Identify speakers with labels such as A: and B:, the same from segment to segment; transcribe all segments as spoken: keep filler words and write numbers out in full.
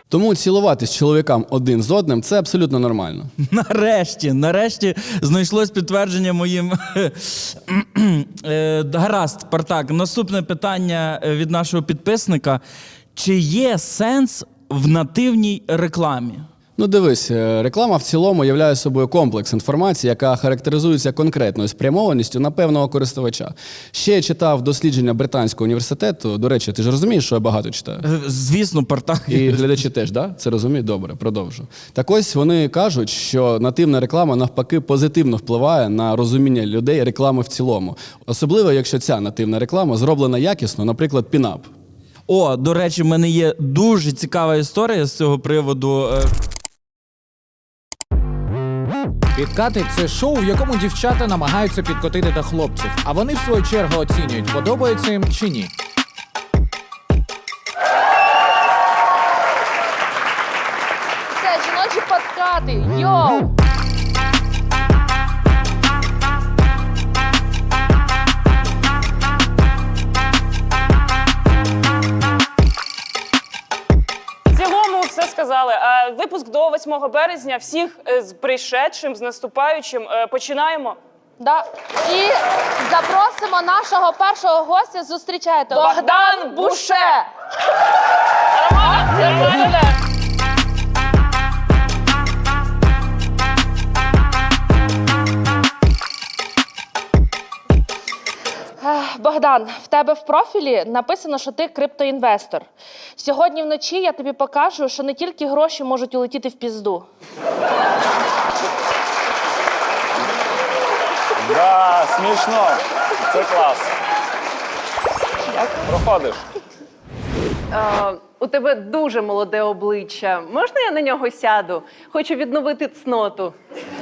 A: Тому цілуватись чоловікам один з одним – це абсолютно нормально.
B: Нарешті, нарешті знайшлось підтвердження моїм... Е, Гаразд, Спартак. Наступне питання від нашого підписника. Чи є сенс в нативній рекламі?
A: Ну дивись, реклама в цілому являє собою комплекс інформації, яка характеризується конкретною спрямованістю на певного користувача. Ще я читав дослідження Британського університету. До речі, ти ж розумієш, що я багато читаю?
B: Е, Звісно, Спартак.
A: І глядачі теж, да? Це розуміють? Добре, продовжу. Так ось вони кажуть, що нативна реклама навпаки позитивно впливає на розуміння людей реклами в цілому. Особливо, якщо ця нативна реклама зроблена якісно, наприклад, пінап.
B: О, до речі, в мене є дуже цікава історія з цього приводу. Е,
C: Підкати – це шоу, в якому дівчата намагаються підкотити до хлопців, а вони в свою чергу оцінюють, подобається їм чи ні.
D: Це жіночі подкати. Йоу!
E: В цілому все сказали. А випуск до восьмого березня. Всіх е, з прийшедшим, з наступаючим. Е, Починаємо.
D: Да. І запросимо нашого першого гостя. Зустрічайте.
E: Богдан Буше! Нормально? Нормально?
D: Ех, Богдан, в тебе в профілі написано, що ти криптоінвестор. Сьогодні вночі я тобі покажу, що не тільки гроші можуть улетіти в пізду.
F: Да, смішно. Це клас. Проходиш.
G: Е, у тебе дуже молоде обличчя. Можна я на нього сяду? Хочу відновити цноту.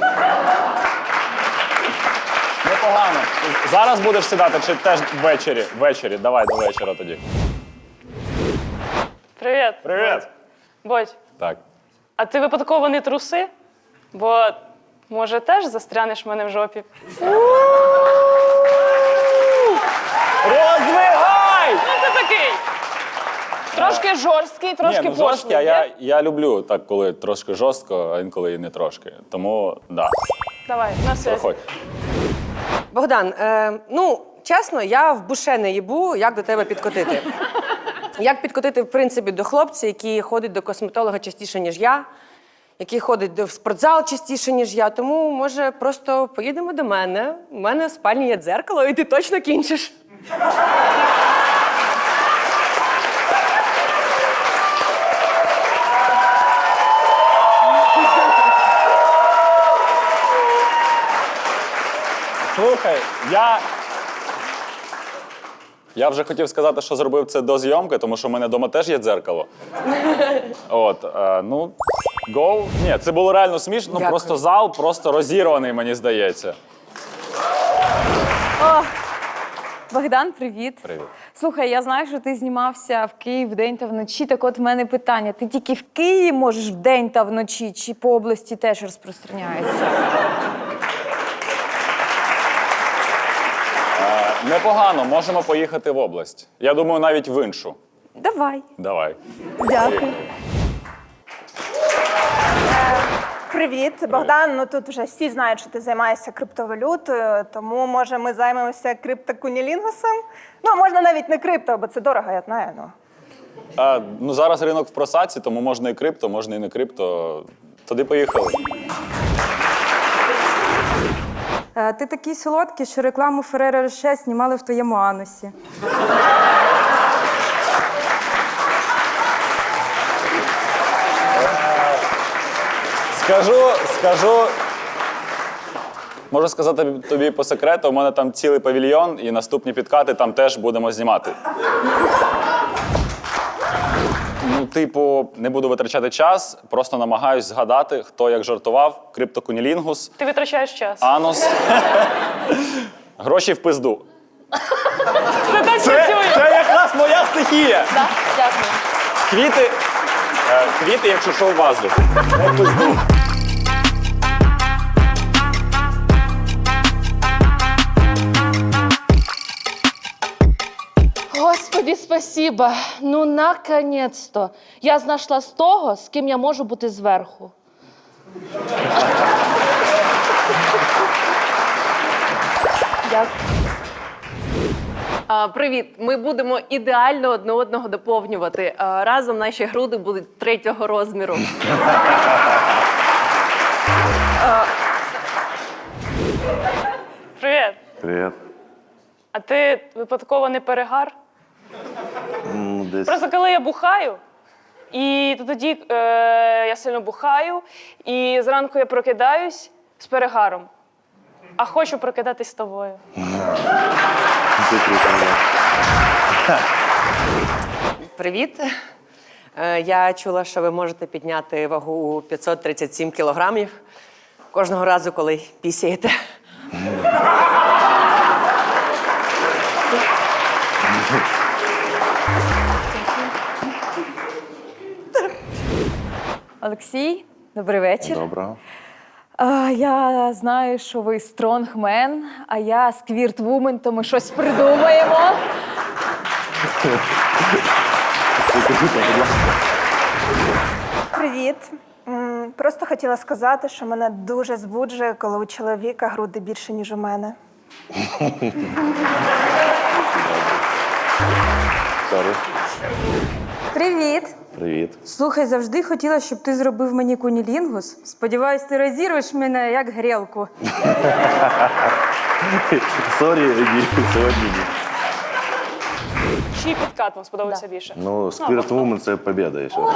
F: Непогано. Зараз будеш сідати чи теж ввечері? Ввечері. Давай до вечора тоді.
E: Привіт.
F: Привіт.
E: Бодь,
F: Так.
E: а ти випадково не труси? Бо, може, теж застрянеш в мене в жопі?
F: Роздвигай!
E: Ну, ти такий. Трошки жорсткий, трошки
F: Ні, ну жорсткі, а
E: пошлий.
F: я,
E: ні?
F: я люблю так, коли трошки жорстко, а інколи і не трошки. Тому, да,
E: Давай, на связь.
F: проходь.
H: Богдан, е, ну, чесно, я в буше не їбу, як до тебе підкотити. Як підкотити, в принципі, до хлопця, який ходить до косметолога частіше, ніж я, який ходить до- в спортзал частіше, ніж я. Тому, може, просто поїдемо до мене. У мене в спальні є дзеркало, і ти точно кінчиш.
F: Слухай, я... Я вже хотів сказати, що зробив це до зйомки, тому що в мене вдома теж є дзеркало. От, е, ну, go. Ні, це було реально смішно, ну,
H: Дякую.
F: просто зал просто розірваний, мені здається.
I: О, Богдан, привіт.
F: Привіт.
I: Слухай, я знаю, що ти знімався в Київ вдень та вночі. Так от в мене питання. Ти тільки в Києві можеш вдень та вночі, чи по області теж розпространяється?
F: Е, непогано, можемо поїхати в область. Я думаю, навіть в іншу.
I: Давай.
F: Давай.
I: Дякую.
J: Привіт, Богдан. Ну тут вже всі знають, що ти займаєшся криптовалютою, тому може ми займемося криптокунілінгусом? Ну, можна навіть не крипто, бо це дорого, я знаю. Ну.
F: Е, ну, зараз ринок в просадці, тому можна і крипто, можна і не крипто. Туди поїхали.
K: Ти такий солодкий, що рекламу Ferrero Rocher знімали в твоєму анусі.
F: Скажу, скажу. Можу сказати тобі по секрету, у мене там цілий павільйон, і наступні підкати там теж будемо знімати. Ну, типу, не буду витрачати час, просто намагаюсь згадати, хто як жартував. Криптокунілінгус,
E: Ти витрачаєш час.
F: анус. Гроші в пизду.
E: Це так
F: Це,
E: працює.
F: це якраз моя стихія.
D: Да? Дякую.
F: Квіти, е, квіти, якщо що, в вазу. Не в пизду.
D: Господи, спасибо. Ну, наконец-то. Я знайшла з того, з ким я можу бути зверху. Дякую.
G: А, привіт! Ми будемо ідеально одне одного доповнювати. А, разом наші груди будуть третього розміру.
E: Привіт.
L: Привіт.
E: А ти випадково не перегар?
L: Ну, десь.
E: Просто коли я бухаю, і то тоді е, я сильно бухаю, і зранку я прокидаюсь з перегаром. А хочу прокидатись з тобою.
L: Це круто, да.
H: Привіт. Е, Я чула, що ви можете підняти вагу п'ятсот тридцять сім кілограмів кожного разу, коли пісяєте.
I: Олексій, добрий вечір.
L: Доброго.
I: А, я знаю, що ви стронгмен, а я сквірт-вумен, то ми щось придумаємо.
J: Привіт. М, Просто хотіла сказати, що мене дуже збуджує, коли у чоловіка груди більше, ніж у мене.
L: Сорі.
K: Привіт!
L: Привіт.
K: Слухай, завжди хотіла, щоб ти зробив мені кунілінгус. Сподіваюсь, ти розірвеш мене як грілку.
L: Сорі, ні, сьогодні ні.
E: Чий підкат вам сподобався більше?
L: Ну, Spirit Woman – це побєда ще.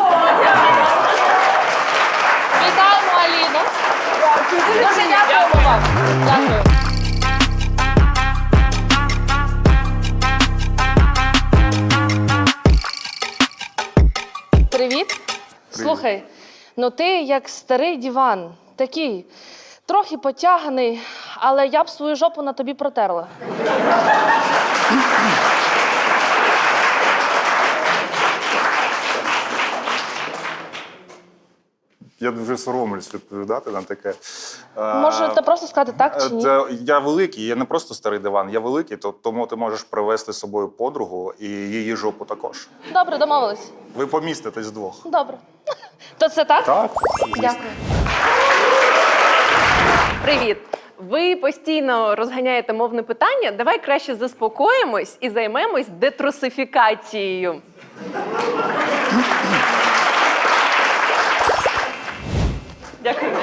D: Вітаємо, Аліну. Дуже дякуємо вам. Дякую. Привіт. Слухай, ну ти як старий диван, такий, трохи потяганий, але я б свою жопу на тобі протерла.
M: Я дуже соромлюсь відповідати на таке.
D: Можете просто сказати так чи ні?
M: Це, я великий, я не просто старий диван, я великий, то, тому ти можеш привезти з собою подругу і її жопу також.
D: Добре, домовились.
M: Ви поміститесь вдвох.
D: Добре. То це так?
M: Так, звісно.
D: Дякую.
G: Привіт! Ви постійно розганяєте мовне питання. Давай краще заспокоїмось і займемось детрусифікацією. Дякую.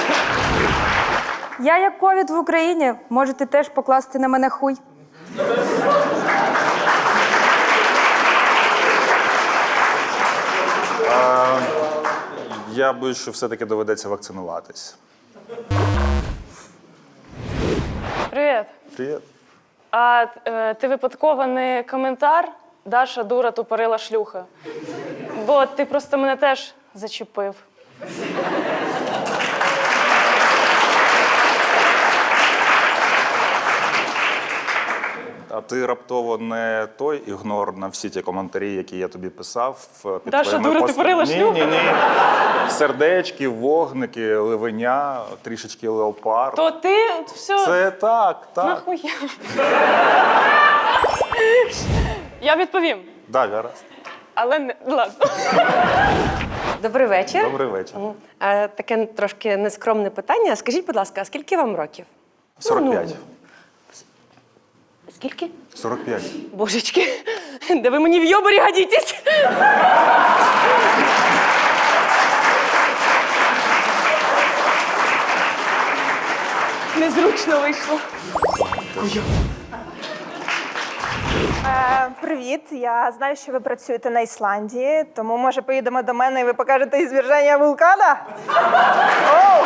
K: Я як ковід в Україні, можете теж покласти на мене хуй.
M: А, я боюсь, що все-таки доведеться вакцинуватись.
E: Привіт.
M: Привіт.
E: А е, ти випадково не коментар Даша дура тупорила шлюха? Бо ти просто мене теж зачепив.
M: А ти раптово не той ігнор на всі ті коментарі, які я тобі писав під
E: Даша,
M: твоїми
E: дура, ти
M: постами?
E: порила
M: Ні,
E: шлюха?
M: ні, ні. Сердечки, вогники, ливеня, трішечки леопард.
E: То ти все.
M: Це так, так.
E: Нахуя? Я відповім.
M: Да, гаразд.
E: Але не ладно.
H: Добрий вечір.
M: Добрий вечір.
H: Е, Таке трошки нескромне питання. Скажіть, будь ласка, а скільки вам років?
M: сорок п'ять.
H: Скільки?
M: сорок п'ять.
H: Божечки, да ви мені в йоборі годитесь.
D: Незручно вийшло.
J: Е, привіт, я знаю, що ви працюєте на Ісландії, тому може поїдемо до мене і ви покажете ізверження вулкана? Оу!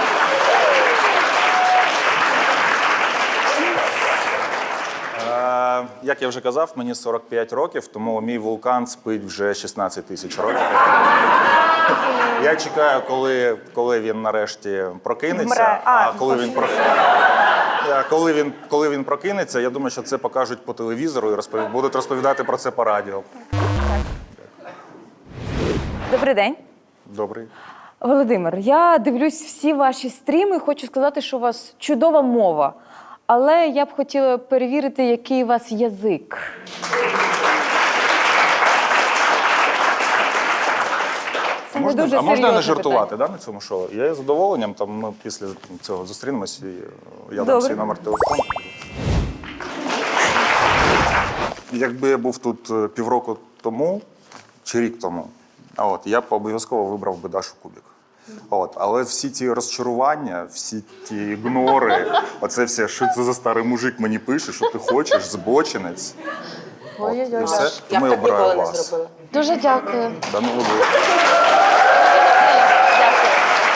M: Е, як я вже казав, мені сорок п'ять років, тому мій вулкан спить вже шістнадцять тисяч років. Я чекаю, коли, коли він нарешті прокинеться.
J: Вмре. А,
M: А коли він, про... Е, коли, він, коли він прокинеться, я думаю, що це покажуть по телевізору і розпові... будуть розповідати про це по радіо.
I: Добрий день.
M: Добрий.
I: Володимир, я дивлюсь всі ваші стріми і хочу сказати, що у вас чудова мова. Але я б хотіла перевірити, який у вас язик.
M: можна,
I: дуже
M: а можна
I: серйозне
M: не жартувати да, на цьому шоу? Я із задоволенням, там ми після цього зустрінемось і я дам
I: Добре.
M: свій номер телефону. Якби я був тут е, півроку тому чи рік тому, а от, я б обов'язково вибрав би Дашу Кубік. От, але всі ті розчарування, всі ті ігнори, оце все, що це за старий мужик мені пише, що ти хочеш, збочинець. От, і все,
H: Я
M: тому
H: б
M: я
H: так ніколи
M: обираю
H: не
M: вас.
H: зробила.
D: Дуже дякую.
M: Да, ну, ви-
D: Дякую.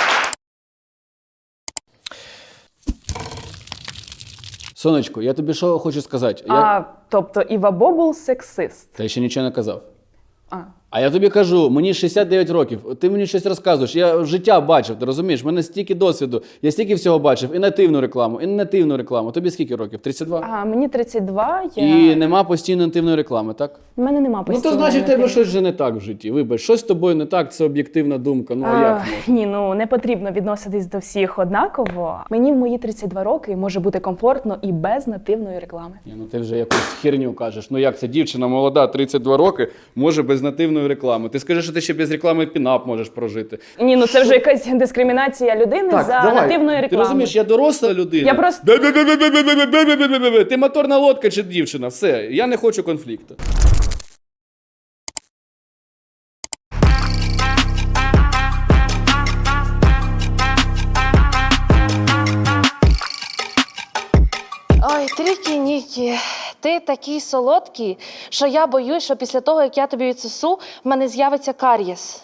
A: Сонечко, я тобі що хочу сказати? Я...
E: А, тобто Іва Бобул сексист.
A: Та я ще нічого не казав.
E: А.
A: А я тобі кажу, мені шістдесят дев'ять років, ти мені щось розказуєш, я життя бачив, ти розумієш? В мене стільки досвіду, я стільки всього бачив, і нативну рекламу, і не нативну рекламу. Тобі скільки років? тридцять два?
E: А мені тридцять два, я...
A: І нема постійно нативної реклами, так?
E: в мене нема
A: Ну
E: постійної
A: то значить, в тебе
E: нативної.
A: щось вже не так в житті. Вибач, щось з тобою не так, це об'єктивна думка. Ну а як
E: А,
A: можна?
E: ні, ну не потрібно відноситись до всіх однаково. Мені в мої тридцять два роки може бути комфортно і без нативної реклами.
A: Ні, ну ти вже якусь херню кажеш. Ну як це дівчина молода, тридцять два роки, може без нативної реклами. Ти скажи, що ти ще без реклами пінап можеш прожити.
E: Ні, ну це вже якась дискримінація людини за нативної
A: Ти
E: реклами.
A: розумієш, я доросла людина.
E: Я просто-
A: Бе-бе-бе-бе-бе-бе-бе-бе-бе-бе-бе. Ти моторна лодка чи дівчина? Все, я не хочу конфлікту.
D: Ой, Трікі-Нікі, ти такий солодкий, що я боюсь, що після того, як я тобі відсосу, в мене з'явиться кар'єс.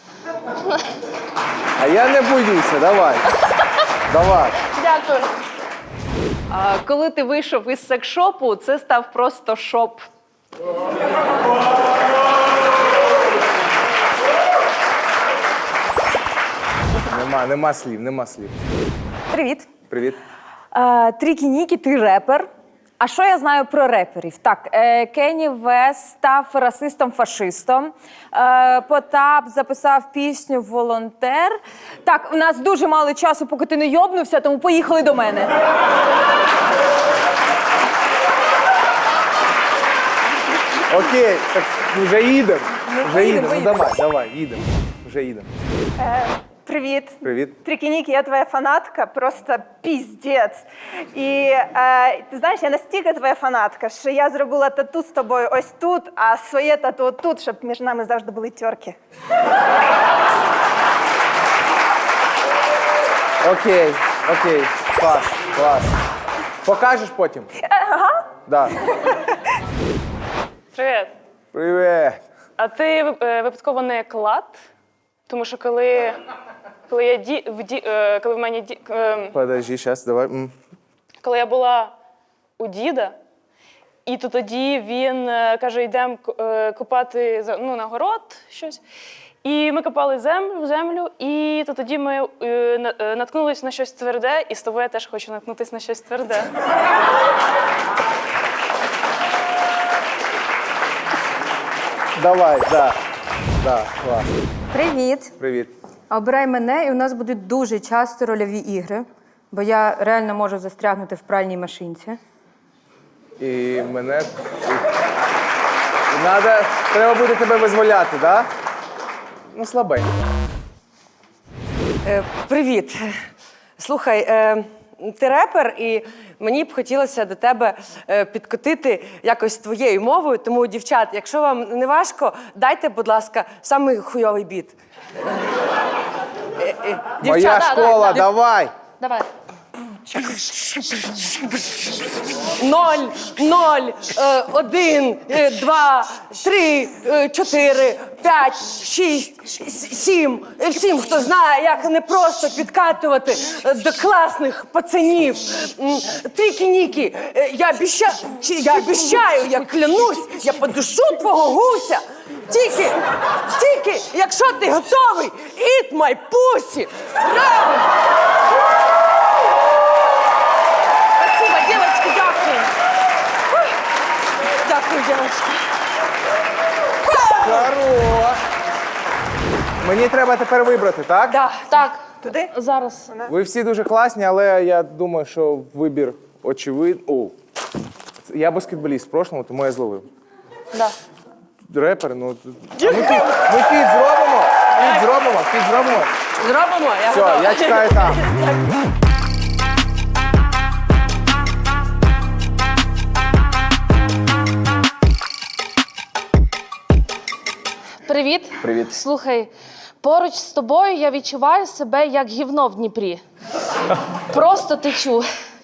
N: А я не боюся, давай. Давай.
D: Дякую.
G: А коли ти вийшов із секшопу, це став просто шоп.
N: Нема, нема слів, нема слів.
I: Привіт.
N: Привіт.
I: Е, Трікі-Нікі, ти репер. А що я знаю про реперів? Так, е, Кенні Вест став расистом-фашистом. Е, Потап записав пісню «Волонтер». Так, у нас дуже мало часу, поки ти не йобнувся, тому поїхали до мене.
N: Окей, так вже їдемо.
I: Ну,
N: Вже
I: поїдемо,
N: їдемо. Ну
I: поїдемо.
N: давай, давай, їдемо. Вже їдемо.
J: Е, Привіт.
N: Привіт.
J: Трікі-Нікі, я твоя фанатка, просто піздець. І е, ти знаєш, я настільки твоя фанатка, що я зробила тату з тобою ось тут, а своє тату тут, щоб між нами завжди були тьорки.
N: Окей, окей. Клас, клас. Покажеш потім?
J: Ага.
N: Да.
E: Привіт.
N: Привіт.
E: А ти е, випадково не клад? Тому що коли, коли я ді, в ді, е, коли в мене ді, е,
N: Подожди, зараз, давай. М.
E: коли я була у діда, і то тоді він е, каже, йдемо копати за- ну, на город щось. І ми копали землю, землю, і то тоді ми е, на- е, наткнулись на щось тверде, і з тобою я теж хочу наткнутися на щось тверде.
N: Давай, да. Да, клас.
K: Привіт.
N: Привіт.
K: Обирай мене, і у нас будуть дуже часто рольові ігри, бо я реально можу застрягнути в пральній машинці.
N: І мене. І надо... Треба буде тебе визволяти, так? Да? Ну, слабенько.
H: Е, Привіт. Слухай, е, ти репер, і мені б хотілося до тебе е, підкотити якось твоєю мовою. Тому, дівчат, якщо вам не важко, дайте, будь ласка, самий хуйовий біт. Е, е,
N: Моя
H: дівчата,
N: школа,
H: да, да.
N: давай!
D: Давай.
H: Ноль, ноль, е, один, е, два, три, е, чотири, п'ять, шість, с- сім. Е, Всім, хто знає, як не просто підкатувати е, до класних пацанів. М, Трікі-Нікі, е, я обіщаю, я обіщаю, я клянусь, я подушу твого гуся. Тільки, тільки, якщо ти готовий, eat my pussy. Браво! Спасибо, девочки, дякую. Ух, Дякую, девочки.
N: Хорош! Мені треба тепер вибрати, так?
H: Да.
D: Так,
J: Туди?
D: зараз.
N: Ви всі дуже класні, але я думаю, що вибір очевидний. О, я баскетболіст в прошлому, тому я зловив.
D: Да.
N: Репер, ну. А ми фіт, ми фіт зробимо? Фіт зробимо, фіт зробимо.
H: Зробимо, я
N: Все,
H: готова.
N: я чекаю там.
D: Привіт.
N: Привіт.
D: Слухай, поруч з тобою я відчуваю себе як гівно в Дніпрі. Просто течу.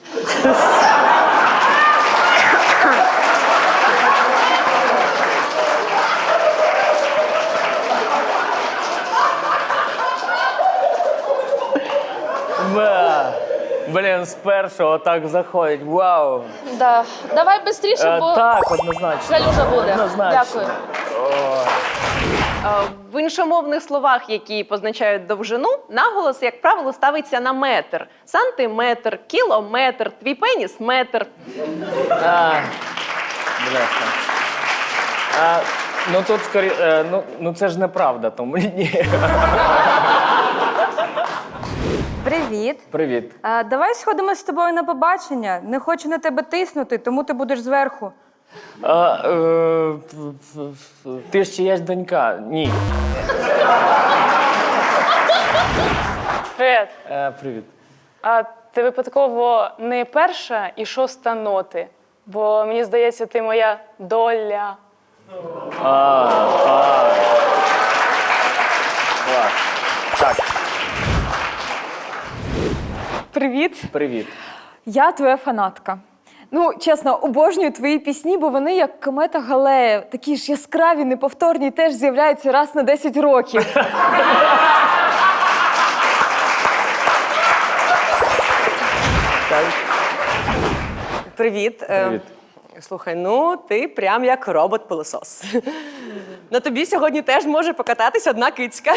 O: Ба. Блін, з першого так заходить. Вау.
D: Да. Давай швидше,
O: Е,
D: бо
O: так, однозначно.
D: жалюжа буде.
O: Однозначно.
D: Дякую.
G: Е, В іншомовних словах, які позначають довжину, наголос, як правило, ставиться на метр. Сантиметр, кілометр, твій пеніс – метр.
O: А, бляха. А, ну тут скорі... е, ну, ну це ж неправда, тому ні.
K: Привіт.
O: Привіт.
K: А, давай сходимо з тобою на побачення. Не хочу на тебе тиснути, тому ти будеш зверху.
O: А, е, п- п- ти ж чиясь донька? Ні.
E: Привіт.
O: Е, привіт.
E: А ти випадково не перша і шоста ноти? Бо мені здається, ти моя доля.
O: А, а. Клас. Так,
E: Привіт.
O: привіт.
I: Я твоя фанатка. Ну, чесно, обожнюю твої пісні, бо вони як комета Галея, такі ж яскраві, неповторні, теж з'являються раз на десять років.
H: Привіт. Е,
O: Привіт.
H: Слухай, ну ти прям як робот-пилосос. На тобі сьогодні теж може покататись одна кицька.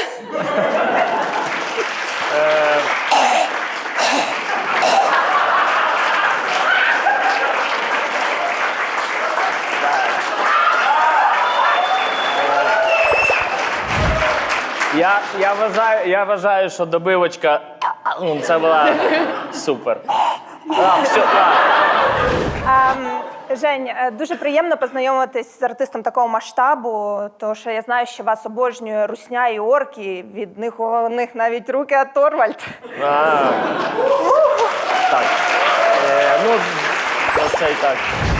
O: Я, я, вважаю, я вважаю, що добивочка ну, це була супер. А, все, а.
J: Ем, Жень, е, дуже приємно познайомитись з артистом такого масштабу, тому що я знаю, що вас обожнює русня і орки, від них у них навіть руки оторвальд.
O: А, так. Е, ну, оце і так.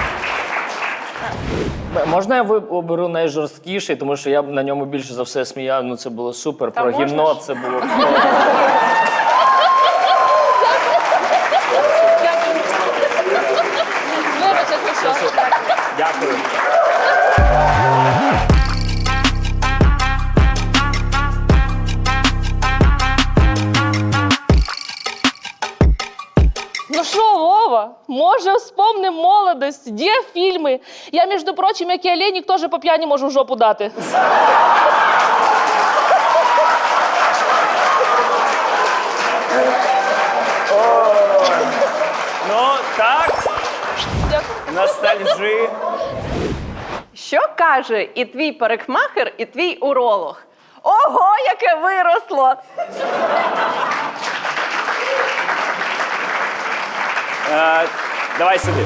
O: М- Можна я ви- оберу найжорсткіший, тому що я б на ньому більше за все сміяв. Ну це було супер.
E: Та
O: Про
E: можна
O: гімно
E: ж?
O: це було.
D: Вибач, якщо що.
O: Дякую.
D: Ну що, Вова, може, вспомним молодость, де фільми? Я, між прочим, як і Олейник, теж по п'яні можу в жопу дати.
O: Ну, так. Ностальжи.
G: Що каже і твій парикмахер, і твій уролог? Ого, яке виросло!
O: Е, давай сюди.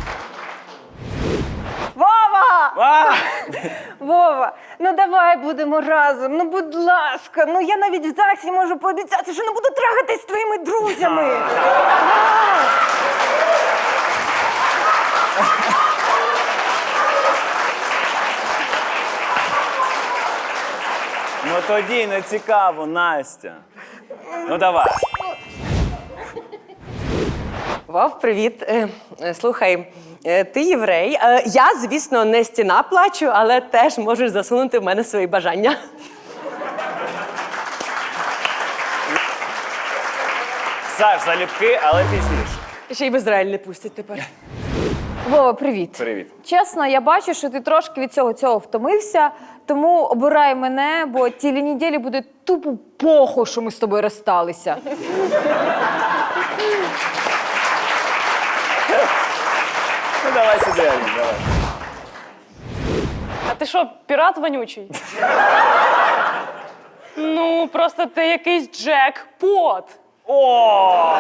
J: Вова!
O: А!
J: Вова, ну давай будемо разом, ну будь ласка. Ну я навіть в ЗАГСі можу пообіцяти, що не буду трахатись з твоїми друзями.
O: Ну тоді не цікаво, Настя. Ну давай.
H: Вов, привіт. Е, е, Слухай, е, ти єврей. Е, Я, звісно, не стіна плачу, але теж можеш засунути в мене свої бажання.
O: Саш, залюбки, але пізніше.
H: Ще й в Ізраїль не пустять тепер.
I: Вова, привіт.
O: Привіт.
I: Чесно, я бачу, що ти трошки від цього цього втомився, тому обирай мене, бо цілі неділі буде тупо похуй, що ми з тобою розсталися.
O: Ну давай сюди, Алін, давай.
E: А ти що, пірат вонючий? Ну, просто ти якийсь джекпот.
O: О!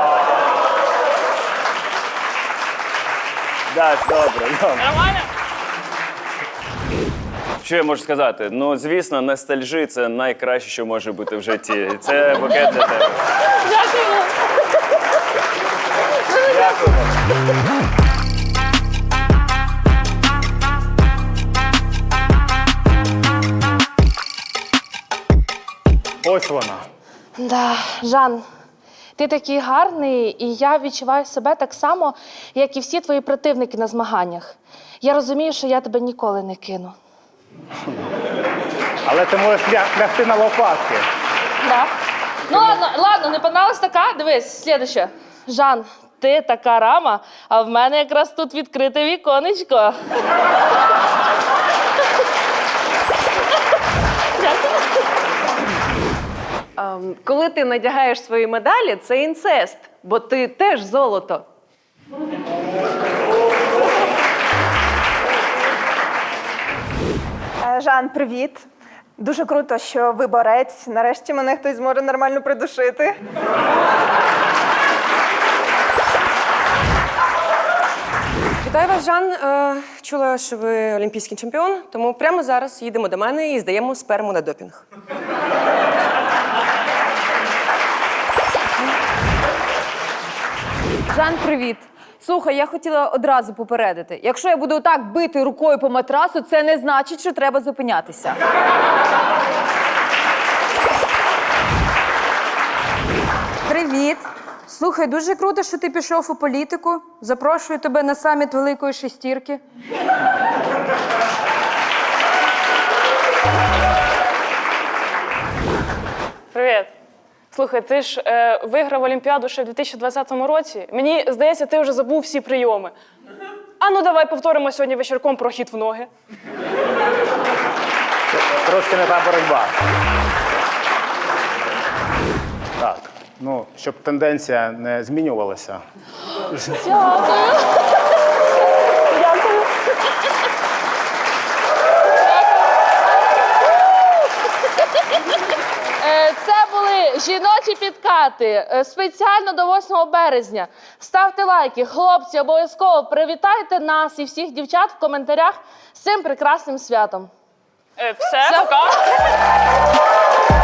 O: Да, добре, добре.
E: Нормально?
P: Що я можу сказати? Ну, звісно, ностальжі – це найкраще, що може бути в житті. Це букет для тебе.
D: Дякую.
P: Дякую.
O: Ось вона.
D: Да, Жан, ти такий гарний, і я відчуваю себе так само, як і всі твої противники на змаганнях. Я розумію, що я тебе ніколи не кину.
O: Але ти можеш лягти на лопатки.
D: Да? Ну ладно, ладно, не понравилась така? Дивись, слідуще. Жан, ти така рама, а в мене якраз тут відкрите віконечко.
G: Ем, коли ти надягаєш свої медалі, це інцест, бо ти теж золото.
J: Е, Жан, привіт. Дуже круто, що ви борець. Нарешті мене хтось зможе нормально придушити.
H: Вітаю вас, Жан. Е, чула, що ви олімпійський чемпіон, тому прямо зараз їдемо до мене і здаємо сперму на допінг.
I: Жан, привіт. Слухай, я хотіла одразу попередити. Якщо я буду так бити рукою по матрасу, це не значить, що треба зупинятися.
K: Привіт. Слухай, дуже круто, що ти пішов у політику. Запрошую тебе на саміт Великої Шестірки.
E: Привіт. Слухай, ти ж е, виграв Олімпіаду ще в дві тисячі двадцятому році. Мені здається, ти вже забув всі прийоми. А ну давай повторимо сьогодні вечірком про хід в ноги.
N: Трошки не та боротьба. Так, ну, щоб тенденція не змінювалася.
D: Дякую. Дякую. Це були жіночі підкати е, спеціально до восьмого березня. Ставте лайки, хлопці, обов'язково привітайте нас і всіх дівчат в коментарях з цим прекрасним святом.
E: Е, все, пока.